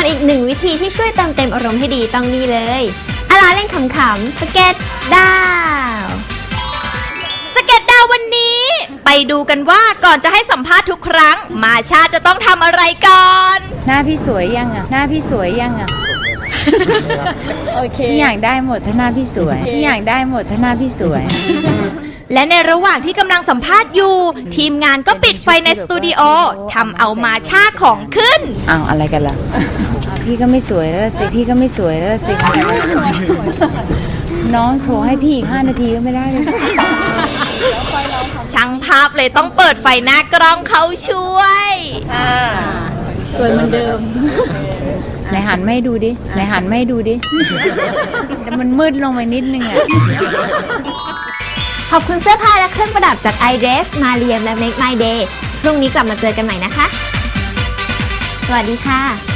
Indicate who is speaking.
Speaker 1: อนอีกหนึ่งวิธีที่ช่วยเติมเต็มอารมณ์ให้ดีต้องนี่เลยอาเล่นขำๆสเก็ตดาว
Speaker 2: สเก็ตดาววันนี้ไปดูกันว่าก่อนจะให้สัมภาษณ์ทุกครั้งมาชาจะต้องทำอะไรก่อน
Speaker 3: หน้าพี่สวยยังอ่ะหน้าพี่สวยยังอ่ะ
Speaker 1: โอเค
Speaker 3: ทุกอย่างได้หมดถ้าหน้าพี่สวยทุกอย่างได้หมดถ้าหน้าพี่สวย
Speaker 2: และในระหว่างที่กำลังสัมภาษณ์อยู่ ทีมงานก็ปิดไฟในสตูดิโอทำเอามาชาของขึ้น
Speaker 3: อ้าวอะไรกันล่ะพี่ก็ไม่สวยแล้วสิพี่ก็ไม่สวยแล้วสิน้องโทรให้พี่อีก5 นาทีก็ไม่ได้เลย
Speaker 2: ช่างภาพเลยต้องเปิดไฟหน้ากล้องเขาช่วย
Speaker 1: สวยเหมือนเดิม
Speaker 3: ไหนหันไม่ดูดิไหนหันไม่ดูดิแต่มันมืดลงไปนิดนึงอ่ะ
Speaker 1: ขอบคุณเสื้อผ้าและเครื่องประดับจาก iDress มาเรียมและ Make My Day พรุ่งนี้กลับมาเจอกันใหม่นะคะ สวัสดีค่ะ